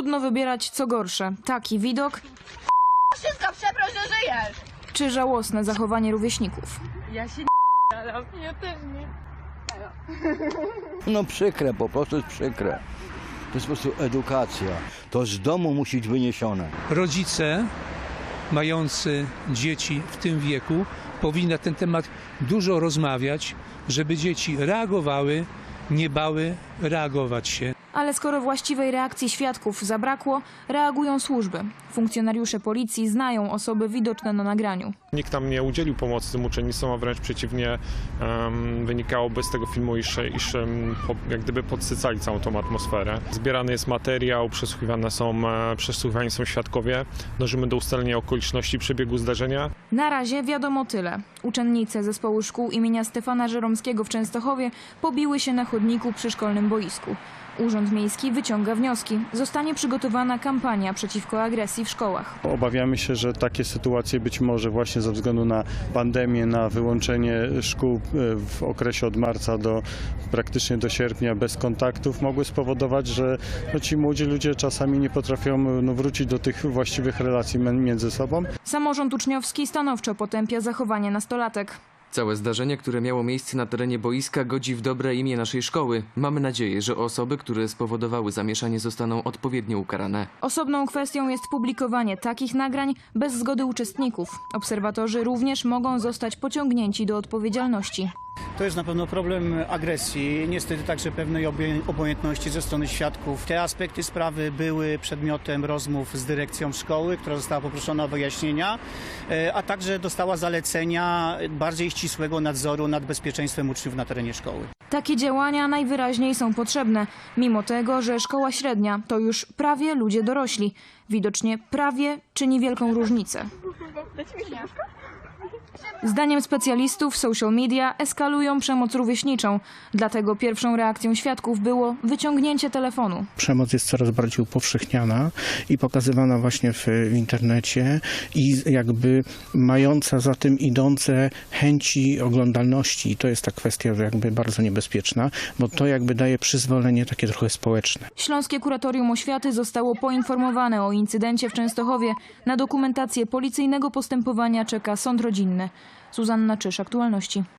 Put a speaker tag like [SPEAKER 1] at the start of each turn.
[SPEAKER 1] Trudno wybierać co gorsze. Taki widok
[SPEAKER 2] Wszystko, przeproś, że żyjesz!
[SPEAKER 1] czy żałosne zachowanie rówieśników.
[SPEAKER 2] Ja się ale ja też nie.
[SPEAKER 3] No przykre, po prostu jest przykre. To jest po prostu edukacja. To z domu musi być wyniesione.
[SPEAKER 4] Rodzice mający dzieci w tym wieku powinni na ten temat dużo rozmawiać, żeby dzieci reagowały, nie bały reagować się.
[SPEAKER 1] Ale skoro właściwej reakcji świadków zabrakło, reagują służby. Funkcjonariusze policji znają osoby widoczne na nagraniu.
[SPEAKER 5] Nikt tam nie udzielił pomocy tym uczennicom, a wręcz przeciwnie, wynikałoby z tego filmu, iż jak gdyby podsycali całą tą atmosferę. Zbierany jest materiał, przesłuchiwani są świadkowie, dążymy do ustalenia okoliczności przebiegu zdarzenia.
[SPEAKER 1] Na razie wiadomo tyle. Uczennice zespołu szkół imienia Stefana Żeromskiego w Częstochowie pobiły się na chodniku przy szkolnym boisku. Urząd Miejski wyciąga wnioski. Zostanie przygotowana kampania przeciwko agresji w szkołach.
[SPEAKER 6] Obawiamy się, że takie sytuacje być może właśnie ze względu na pandemię, na wyłączenie szkół w okresie od marca praktycznie do sierpnia bez kontaktów mogły spowodować, że ci młodzi ludzie czasami nie potrafią wrócić do tych właściwych relacji między sobą.
[SPEAKER 1] Samorząd uczniowski stanowczo potępia zachowanie nastolatek.
[SPEAKER 7] Całe zdarzenie, które miało miejsce na terenie boiska, godzi w dobre imię naszej szkoły. Mamy nadzieję, że osoby, które spowodowały zamieszanie, zostaną odpowiednio ukarane.
[SPEAKER 1] Osobną kwestią jest publikowanie takich nagrań bez zgody uczestników. Obserwatorzy również mogą zostać pociągnięci do odpowiedzialności.
[SPEAKER 8] To jest na pewno problem agresji, niestety także pewnej obojętności ze strony świadków. Te aspekty sprawy były przedmiotem rozmów z dyrekcją szkoły, która została poproszona o wyjaśnienia, a także dostała zalecenia bardziej ścisłego nadzoru nad bezpieczeństwem uczniów na terenie szkoły.
[SPEAKER 1] Takie działania najwyraźniej są potrzebne, mimo tego, że szkoła średnia to już prawie ludzie dorośli. Widocznie prawie czyni wielką różnicę. Zdaniem specjalistów social media eskalują przemoc rówieśniczą. Dlatego pierwszą reakcją świadków było wyciągnięcie telefonu.
[SPEAKER 9] Przemoc jest coraz bardziej upowszechniana i pokazywana właśnie w internecie i jakby mająca za tym idące chęci oglądalności. I to jest ta kwestia jakby bardzo niebezpieczna, bo to jakby daje przyzwolenie takie trochę społeczne.
[SPEAKER 1] Śląskie Kuratorium Oświaty zostało poinformowane o incydencie w Częstochowie. Na dokumentację policyjnego postępowania czeka sąd rodzinny. Zuzanna Czyż, Aktualności.